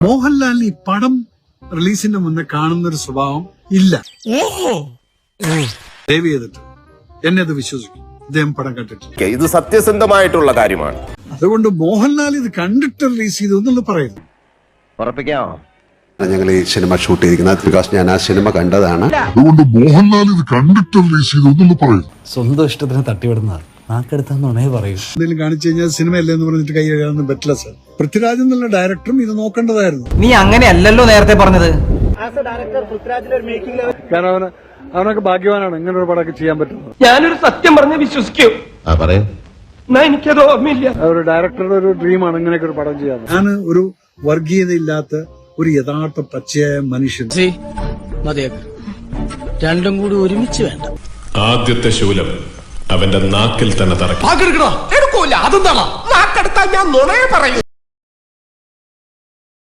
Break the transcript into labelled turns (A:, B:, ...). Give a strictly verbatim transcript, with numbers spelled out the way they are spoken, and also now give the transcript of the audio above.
A: മോഹൻലാലിന് ഈ പടം റിലീസിന്റെ മുന്നേ കാണുന്ന ഒരു സ്വഭാവം ഇല്ല. ദയവ് ചെയ്തിട്ട് എന്നെ അത് വിശ്വസിക്കും. ഇദ്ദേഹം പടം കണ്ടിട്ടില്ല.
B: ഇത് സത്യസന്ധമായിട്ടുള്ള കാര്യമാണ്.
A: അതുകൊണ്ട് മോഹൻലാൽ ഇത് കണ്ടിട്ട് റിലീസ് ചെയ്തു എന്നുള്ളത് പറയുന്നു.
B: ഉറപ്പിക്കാമോ?
C: ഞങ്ങൾ ഈ സിനിമ ഷൂട്ട് ചെയ്തിരിക്കുന്നത് ബിക്കോസ് ഞാൻ ആ സിനിമ കണ്ടതാണ്.
D: അതുകൊണ്ട് മോഹൻലാൽ ഇത് കണ്ടിട്ട് റിലീസ് ചെയ്തു എന്നുള്ളത് പറയുന്നു.
E: സ്വന്തം ഇഷ്ടത്തിന് തട്ടിവിടുന്നതാണ്. നാക്കെടുത്താന്നുണേ പറയൂ.
A: എന്തെങ്കിലും കാണിച്ചു കഴിഞ്ഞാൽ സിനിമ അല്ലെന്ന് പറഞ്ഞിട്ട് കൈ കഴുകാനൊന്നും പറ്റില്ല സാർ. പൃഥ്വിരാജ് എന്നുള്ള ഡയറക്ടറും ഇത് നോക്കേണ്ടതായിരുന്നു.
F: നീ അങ്ങനെയല്ലല്ലോ നേരത്തെ പറഞ്ഞത്.
A: കാരണം അവന് അവനൊക്കെ ഭാഗ്യവാനാണ് ഇങ്ങനെ ഒരു പടമൊക്കെ ചെയ്യാൻ പറ്റുന്നത്.
F: ഞാനൊരു സത്യം പറഞ്ഞ് വിശ്വസിക്കൂ. എന്നാ എനിക്കത് ഓർമ്മയില്ല.
A: ഒരു ഡയറക്ടറുടെ ഒരു ഡ്രീമാണ് ഇങ്ങനെയൊക്കെ ഒരു പടം ചെയ്യാൻ. ഞാൻ ഒരു വർഗീയതയില്ലാത്ത ഒരു യഥാർത്ഥ പച്ചയായ മനുഷ്യൻ.
G: രണ്ടും കൂടി ഒരുമിച്ച് വേണ്ട.
H: ആദ്യത്തെ ശൂലം അവന്റെ നാക്കിൽ തന്നെ തറക്കും.
F: എടുക്കൂല. അതെന്താണോ നാക്കെടുത്താൽ ഞാൻ നുണയെ പറയൂ.